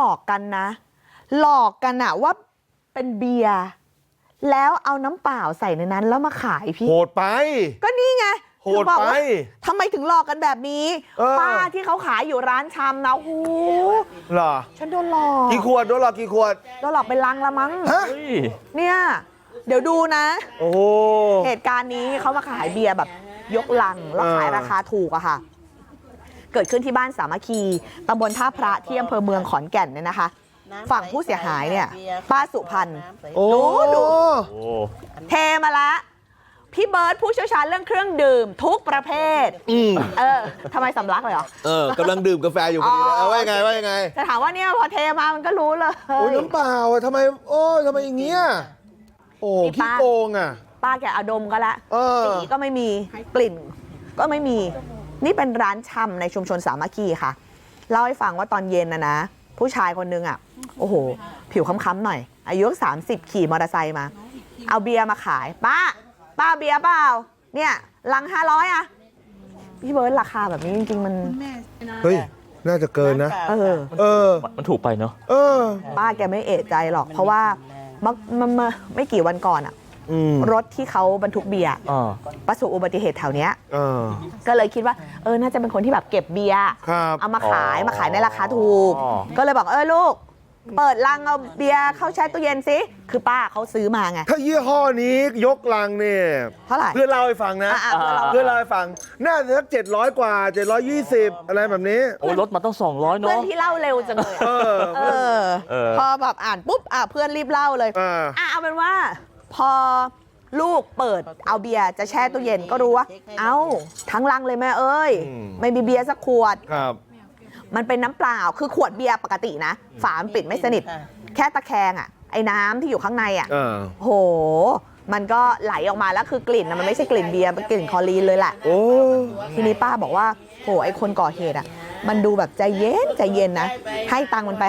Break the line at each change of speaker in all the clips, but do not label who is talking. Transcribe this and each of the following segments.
อกกันนะหลอกกันอะว่าเป็นเบียร์แล้วเอาน้ำเปล่าใส่ในนั้นแล้วมาขายพี่
โหดไป
ก็นี่ไง
โหดไป
ทำไมถึงหลอกกันแบบนี้ป้าที่เขาขายอยู่ร้านชำนะโอ้โห
เหรอ
ฉันโดนหลอก
กี่ขวดโดนหลอกกี่ขวด
โดนหลอกเป็นลังละมั้งเนี่ยเดี๋ยวดูนะ
โอ้โห
เหตุการณ์นี้เขามาขายเบียร์แบบยกลังแล้วขายราคาถูกอะค่ะเกิดขึ้นที่บ้านสามัคคีตำบลท่าพระที่อำเภอเมืองขอนแก่นเนี่ยนะคะฝั่งผู้เสียหายเนี่ยป้าสุพรรณดูเทมาละพี่เบิร์ตผู้เชี่ยวชาญเรื่องเครื่องดื่มทุกประเภททำไมสำลักเลยเหร
อกำลังดื่มกาแฟอยู่พอดีเลยว่ายังไงว่ายังไง
จะถามว่าเนี่ยพอเทมามันก็รู้เลย
โอ้น้ำเปล่าทำไมทำไมอย่างเงี้ยโอ้ขี้โกงอ่ะ
ป้าแกเอาดมก็แล้วสีก็ไม่มีกลิ่นก็ไม่มีนี่เป็นร้านชำในชุมชนสามัคคีค่ะเล่าให้ฟังว่าตอนเย็นนะผู้ชายคนนึงอ่ะโอ้โหผิวค้ำๆหน่อยอายุ30ขี่มอเตอร์ไซค์มาเอาเบียร์มาขายป้าเบียร์เปล่าเนี่ยลัง500อ่ะพี่เบิร์ดราคาแบบนี้จริงๆมัน
เฮ้ยน่าจะเกินนะ
มันถูกไปเนาะ
ป้าแกไม่เอะใจหรอกเพราะว่ามันไม่กี่วันก่อนอ่ะรถที่เขาบรรทุกเบียร์ประสบอุบัติเหตุแถวเนี้ยก็เลยคิดว่าน่าจะเป็นคนที่แบบเก็บเบียร์เอามาขายในราคาถูกก็เลยบอกลูกเปิดลังเอาเบียร์เข้าแช่ตู้เย็นสิคือป้าเขาซื้อมาไง
ถ้ายี่ห้อนี้ยกลังเนี่ย
เท่าไหร่
เพื่อนเล่าให้ฟังนะเพื่อนเล่าให้ฟังน่าจะสัก700 กว่า720อะไรแบบนี้
โอ้รถมาต้อง200เนาะ
เพื่อนที่เล่าเร็วจังเลยพอแบบอ่านปุ๊บเพื่อนรีบเล่าเลยเอาเป็นว่าพอลูกเปิดเอาเบียร์จะแช่ตู้เย็นก็รู้ว่าทั้งลังเลยแม่เอ้ยไม่มีเบียร์สักขวดมันเป็นน้ำเปล่าคือขวดเบียร์ปกตินะฝาปิดไม่สนิทแค่ตะแคงไอ้น้ำที่อยู่ข้างในโหมันก็ไหลออกมาแล้วคือกลิ่นมันไม่ใช่กลิ่นเบียร์มันกลิ่นคลอรีนเลยแหละทีนี้ป้าบอกว่าโหไอ้คนก่อเหตุมันดูแบบใจเย็นนะให้ตังค์มันไป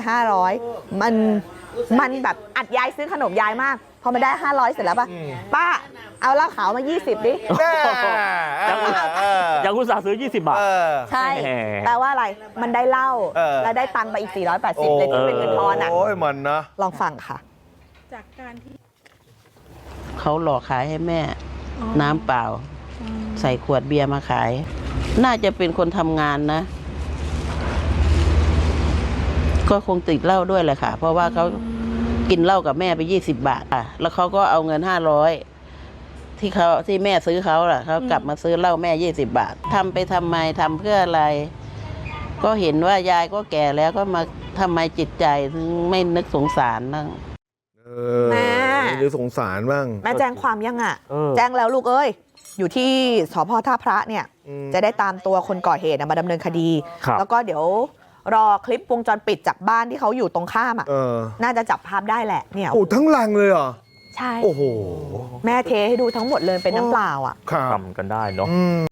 500มันแบบอัดยายซื้อขนมยายมากพอมาได้500เสร็จแล้วป้าเอาเหล้าขาวมา20ดิ
ยังอุตส่าห์ซื้อ20 บาท
ใช่แปลว่าอะไรมันได้เหล้าแล้วได้ตังค์ไปอีก480เลยที่เป็นเงินทอน
โอ้ยมันนะ
ลองฟังค่ะ
จากการที่
เขาหลอกขายให้แม่น้ำเปล่าใส่ขวดเบียร์มาขายน่าจะเป็นคนทำงานนะก็คงติดเหล้าด้วยแหละค่ะเพราะว่าเขากินเหล้ากับแม่ไป20 บาทแล้วเขาก็เอาเงิน500ที่แม่ซื้อเขาเขากลับมาซื้อเหล้าแม่20 บาททำไปทำไมทำเพื่ออะไรก็เห็นว่ายายก็แก่แล้วก็มาทำไมจิตใจถึงไม่นึกสงสารบ้าง
แม่
นึกสงสารบ้าง
แม่แจ้งความยังแจ้งแล้วลูกเอ้ยอยู่ที่สภ.ท่าพระเนี่ยจะได้ตามตัวคนก่อเหตุมาดำเนินคดีแล้วก็เดี๋ยวรอคลิปวงจรปิดจากบ้านที่เขาอยู่ตรงข้ามน่าจะจับภาพได้แหละเนี่ย
โอ้ทั้งลังเลยเหรอ
ใช่
โอ้โห
แม่เทให้ดูทั้งหมดเลยเป็นน้ำเปล่า
ทำกันได้เนาะ